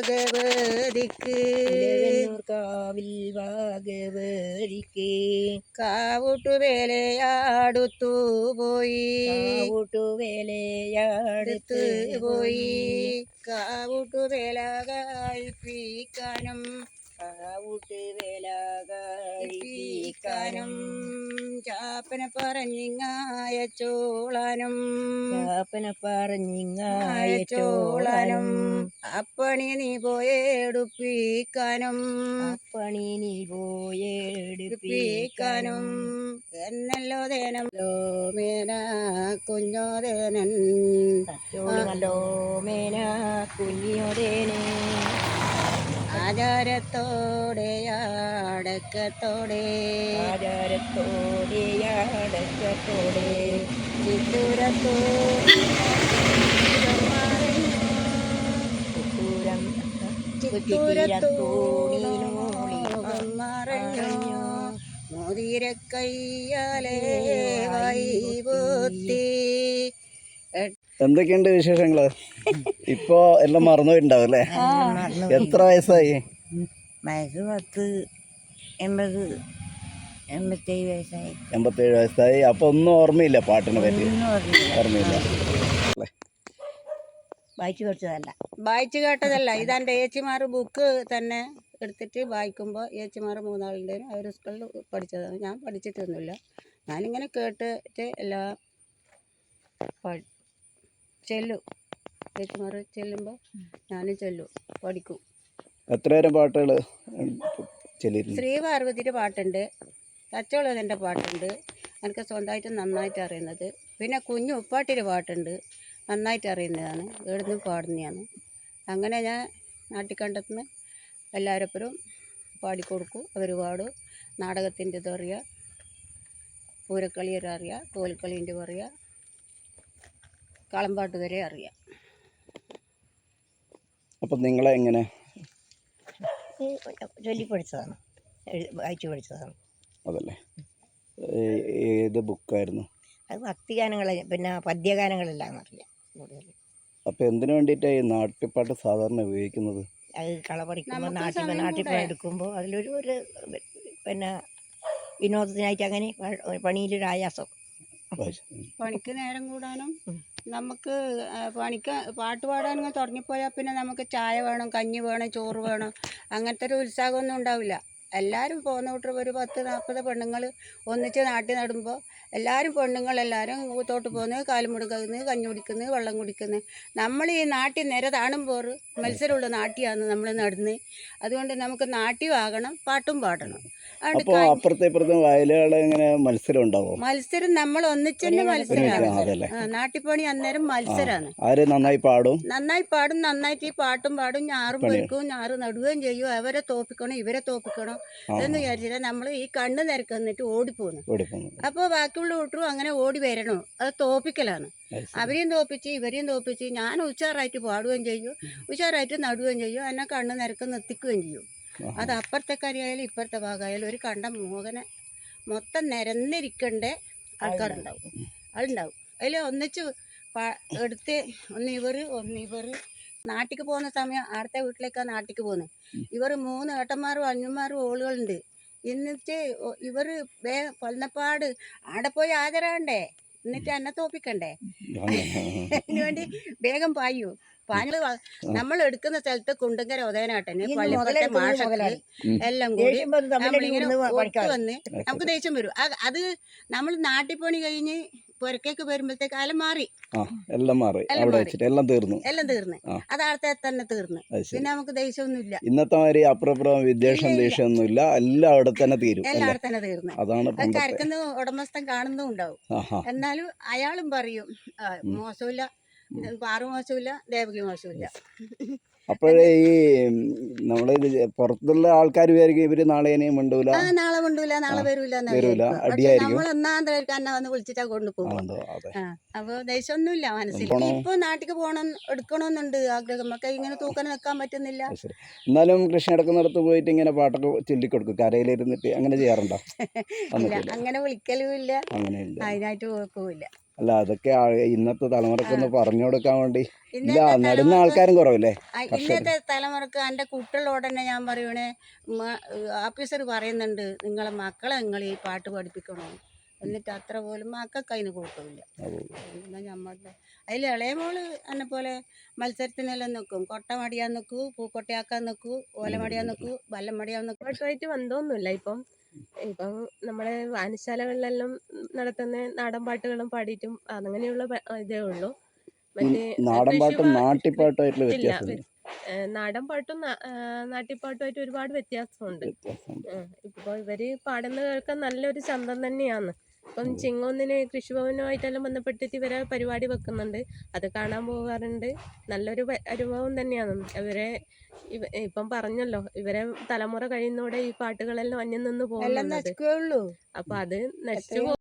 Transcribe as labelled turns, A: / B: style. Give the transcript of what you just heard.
A: ഭഗവതിക്ക്
B: കാവിൽ ഭഗവതിക്ക്
A: കാവുട്ടുവേലയാടുത്തു പോയി
B: കാവുട്ടുവേലയാടുത്ത്
A: പോയി കാവുട്ടുവേല കഴിപ്പിക്കാനും
B: കാവുട്ടുവേലകാനും
A: ചാപ്പനെ പറഞ്ഞിങ്ങായ ചോളാനും
B: ചോളാനും
A: അപ്പണി നീ പോയെടുപ്പിക്കാനും
B: പോയെടുപ്പിക്കാനും
A: എന്നല്ലോ ദേനല്ലോ മേന കുഞ്ഞോദേനൻ
B: നല്ലോ മേന കുഞ്ഞോദേനെ
A: ആചാരത്തോടെ അടക്കത്തോടെ മറഞ്ഞു മോതിര കയ്യാലേ വൈബുത്തി.
C: എന്തൊക്കെയുണ്ട് വിശേഷങ്ങള്? ഇപ്പൊ എല്ലാം മറന്നുപോയിട്ടുണ്ടാവും അല്ലേ? എത്ര വയസ്സായി?
B: വയസ്സ് 10, 80, 87 വയസ്സായി.
C: 87 വയസ്സായി. അപ്പൊ ഒന്നും ഓർമ്മയില്ല പാട്ടിനെ പറ്റി? ഓർമ്മയില്ല.
A: വായിച്ചു കേട്ടതല്ല. ഇതെൻ്റെ ഏച്ചിമാർ ബുക്ക് തന്നെ എടുത്തിട്ട് വായിക്കുമ്പോൾ ഏച്ചിമാർ 3 ആളുണ്ട്. അവർ സ്കൂളിൽ പഠിച്ചതാണ്. ഞാൻ പഠിച്ചിട്ടൊന്നുമില്ല. ഞാനിങ്ങനെ കേട്ടിട്ട് എല്ലാം ചെല്ലും. ഏച്ചിമാർ ചെല്ലുമ്പോൾ ഞാനും ചെല്ലും, പഠിക്കും.
C: എത്ര നേരം പാട്ടുകൾ ചെല്ലിയിരുന്നു?
A: ശ്രീപാർവതിയുടെ പാട്ടുണ്ട്, തച്ചോളതിൻ്റെ പാട്ടുണ്ട്, എനിക്ക് സ്വന്തമായിട്ട് നന്നായിട്ട് അറിയുന്നത്. പിന്നെ കുഞ്ഞു ഉപ്പാട്ടിയുടെ പാട്ടുണ്ട്, നന്നായിട്ട് അറിയുന്നതാണ്, എവിടുന്നും പാടുന്നതാണ്. അങ്ങനെ ഞാൻ നാട്ടിക്കണ്ടത്തുനിന്ന് എല്ലാവരപ്പുറം പാടിക്കൊടുക്കും. അവർ പാടും. നാടകത്തിൻ്റെ ഇത് അറിയാം, പൂരക്കളി അറിയാം, കോൽക്കളീൻ്റെ അറിയാം, കളമ്പാട്ട് വരെ അറിയാം.
C: അപ്പം നിങ്ങളെ എങ്ങനെ
B: ചൊല്ലി പഠിച്ചതാണ്, വായിച്ചു പഠിച്ചതാണ്.
C: അതല്ലേ? ഏത് ബുക്കായിരുന്നു
B: അത്? ഭക്തിഗാനങ്ങൾ, പിന്നെ പദ്യഗാനങ്ങളെല്ലാം അറിയാം കൂടുതൽ.
C: അപ്പം എന്തിനു വേണ്ടിയിട്ടാണ് ഈ നാട്ടിപ്പാട്ട് സാധാരണ ഉപയോഗിക്കുന്നത്?
B: അത് കള പഠിക്കുമ്പോൾ നാട്ടിൽ എടുക്കുമ്പോൾ അതിലൊരു പിന്നെ വിനോദത്തിനായിട്ട്, അങ്ങനെ പണിയിലൊരു ആയാസം,
A: പണിക്ക് നേരം കൂടാനും നമുക്ക് പാട്ട് പാടാനും തുടങ്ങിപ്പോയാൽ പിന്നെ നമുക്ക് ചായ വേണം, കഞ്ഞി വേണം, ചോറ് വേണം, അങ്ങനത്തെ ഒരു ഉത്സാഹമൊന്നും ഉണ്ടാവില്ല. എല്ലാവരും പോകുന്ന കൂട്ടർ ഒരു 10-40 പെണ്ണുങ്ങൾ ഒന്നിച്ച് നാട്ടിൽ നടുമ്പോൾ എല്ലാവരും പെണ്ണുങ്ങളെല്ലാവരും തോട്ട് പോകുന്നത്, കാലും മുടുക്കുന്നത്, കഞ്ഞി കുടിക്കുന്നത്, വെള്ളം കുടിക്കുന്നത്. നമ്മൾ ഈ നാട്ടിൽ നിര താണുമ്പോൾ മത്സരമുള്ള നാട്ടിയാണ് നമ്മൾ നടുന്നത്. അതുകൊണ്ട് നമുക്ക് നാട്യമാകണം, പാട്ടും പാടണം.
C: അപ്പോൾ അപ്പുറത്തെ ഇപ്പുറത്തെ വയലുകൾ എങ്ങനെ മത്സരം ഉണ്ടാവും?
A: മത്സരം നമ്മൾ ഒന്നിച്ചെന്നെ മത്സരമാണ്. നാട്ടിപ്പണി അന്നേരം മത്സരമാണ്.
C: ആര് നന്നായി പാടും?
A: നന്നായിട്ട് ഈ പാട്ടും പാടും. ഞാറും പൊരിക്കും, ഞാറ് നടുകയും ചെയ്യും. അവരെ തോപ്പിക്കണം, ഇവരെ തോപ്പിക്കണം എന്ന് വിചാരിച്ചിട്ട് നമ്മൾ ഈ കണ്ണ് നിരക്ക് നിന്നിട്ട് ഓടിപ്പോകുന്നു. അപ്പോൾ ബാക്കിയുള്ള കൂട്ടരും അങ്ങനെ ഓടി വരണോ, അത് തോപ്പിക്കലാണ്. അവരെയും തോപ്പിച്ച് ഇവരെയും തോപ്പിച്ച് ഞാൻ ഉഷാറായിട്ട് പാടുകയും ചെയ്യും, ഉഷാറായിട്ട് നടുകയും ചെയ്യും, എന്നെ കണ്ണ് നിരക്ക് നിർത്തിക്കുകയും ചെയ്യും. അത് അപ്പുറത്തെ കരയായാലും ഇപ്പുറത്തെ ഭാഗമായാലും ഒരു കണ്ട മോഹനെ മൊത്തം നിരന്നിരിക്കേണ്ട ആൾക്കാരുണ്ടാവും, അതുണ്ടാവും. അതിൽ ഒന്നിച്ച് എടുത്ത് ഒന്നിവർ നാട്ടിക്ക് പോകുന്ന സമയം അടുത്ത വീട്ടിലേക്കാണ് നാട്ടിക്ക് പോകുന്നത്. ഇവർ 3 ഏട്ടന്മാരും 5മാരും ഓളുകളുണ്ട്. എന്നിട്ട് ഇവർ കൊല്ലപ്പാട് ആടെ പോയി ഹാജരാകണ്ടേ, എന്നിട്ട് എന്നെ തോപ്പിക്കണ്ടേ. അതിനുവേണ്ടി വേഗം പായൂ. പാഞ്ഞ് നമ്മൾ എടുക്കുന്ന സ്ഥലത്ത് കുണ്ടങ്കര ഉദയനാട്ടന് പള്ളിപ്പുറത്തെ മാഷക്ക് എല്ലാം കൂടി നമ്മളിങ്ങനെ വന്ന് നമുക്ക് ദേഷ്യം വരും. അത് നമ്മൾ നാട്ടിപ്പണി കഴിഞ്ഞ് പുരക്കേക്ക് വരുമ്പോഴത്തേക്ക് എല്ലാം മാറി, എല്ലാം തീർന്നു. അത് ആളത്തെ തന്നെ തീർന്നു. പിന്നെ നമുക്ക് ദേഷ്യമൊന്നുമില്ല.
C: ഇന്നത്തെ മാതിരി അപ്പുറം വിദ്വേഷം ദേഷ്യമൊന്നുമില്ല, എല്ലാം അവിടെ തന്നെ തീരും.
A: അതാണ് കരക്കുന്ന ഉടമസ്ഥൻ കാണുന്നും ഉണ്ടാവും. എന്നാലും അയാളും പറയും മോശമില്ല, പാറു മോശമില്ല, ദേവകി മോശമില്ല.
C: അപ്പോഴേ ഈ നമ്മളിത് പുറത്തുള്ള ആൾക്കാർ വിചാരിക്കും ഇവര് നാളെ മിണ്ടൂല,
A: നാളെ മിണ്ടൂല, നാളെ വരൂല, നമ്മൾ ഒന്നാന്തരക്ക് എന്നെ വന്ന് വിളിച്ചിട്ടാ കൊണ്ടുപോകും. അപ്പൊ ദേഷ്യമൊന്നുമില്ല മനസ്സിൽ. ഇപ്പൊ നാട്ടിക്ക് പോകണം, എടുക്കണമെന്നുണ്ട് ആഗ്രഹം. നമുക്ക് ഇങ്ങനെ തൂക്കാൻ നിൽക്കാൻ പറ്റുന്നില്ല.
C: എന്നാലും കൃഷി നടക്കുന്നിടത്ത് പോയിട്ട് ഇങ്ങനെ പാട്ടൊക്കെ ചൊല്ലിക്കൊടുക്കും, കരയിലിരുന്നിട്ട് അങ്ങനെ ചെയ്യാറുണ്ടോ?
A: ഇല്ല, അങ്ങനെ വിളിക്കലും ഇല്ല, അതിനായിട്ട് പോക്കുമില്ല.
C: അല്ല അതൊക്കെ ഇന്നത്തെ തലമുറക്കൊന്ന് പറഞ്ഞു കൊടുക്കാൻ വേണ്ടി ഇല്ല
A: ഇന്നത്തെ
C: നടുന്ന
A: തലമുറക്ക്
C: ആൾക്കാരും കുറവല്ലേ
A: ഇന്നത്തെ തലമുറക്ക് എൻ്റെ കുട്ടികളോട് തന്നെ ഞാൻ പറയണേ ഓഫീസർ പറയുന്നുണ്ട് നിങ്ങളെ മക്കളെ നിങ്ങൾ ഈ പാട്ട് പഠിപ്പിക്കണോ, എന്നിട്ട് അത്ര പോലും മക്കൾക്ക് അതിന് കൂട്ടമില്ല. എന്നാൽ നമ്മളുടെ അതിൽ ഇളയ മോള് എന്നെ പോലെ മത്സരത്തിനെല്ലാം നിൽക്കും. കൊട്ട മടിയാൻ നിൽക്കൂ, പൂക്കൊട്ടയാക്കാൻ നിൽക്കൂ, ഓല മടിയാൻ നിൽക്കൂ, വല്ലം മടിയാൻ നിൽക്കൂ.
D: പാട്ടുമായിട്ട് ബന്ധമൊന്നുമില്ല. ഇപ്പം നമ്മുടെ വായനശാലകളിലെല്ലാം നടത്തുന്ന നാടൻ പാട്ടുകളും പാടിയിട്ടും അങ്ങനെയുള്ള ഇതേ ഉള്ളൂ. മറ്റേ
C: നാടൻ പാട്ടും നാട്ടിപ്പാട്ടുമായിട്ടുള്ള
D: ഇല്ല,
C: വ്യത്യാസം
D: നാടൻ പാട്ടും നാട്ടിപ്പാട്ടുമായിട്ട് ഒരുപാട് വ്യത്യാസമുണ്ട്. ഇപ്പോൾ ഇവര് പാടുന്ന കേൾക്കാൻ നല്ലൊരു ചന്തം തന്നെയാണ്. ഇപ്പം ചിങ്ങോന്നിന് കൃഷിഭവനുമായിട്ടെല്ലാം ബന്ധപ്പെട്ടിട്ട് ഇവരെ പരിപാടി വെക്കുന്നുണ്ട്, അത് കാണാൻ പോകാറുണ്ട്. നല്ലൊരു അനുഭവം തന്നെയാണ്. ഇപ്പം പറഞ്ഞല്ലോ, ഇവരെ തലമുറ കഴിയുന്നതോടെ ഈ പാട്ടുകളെല്ലാം അന്യം നിന്ന് പോകുന്നുണ്ട്.
A: നശിക്കുകയുള്ളൂ.
D: അപ്പൊ അത് നശിച്ചു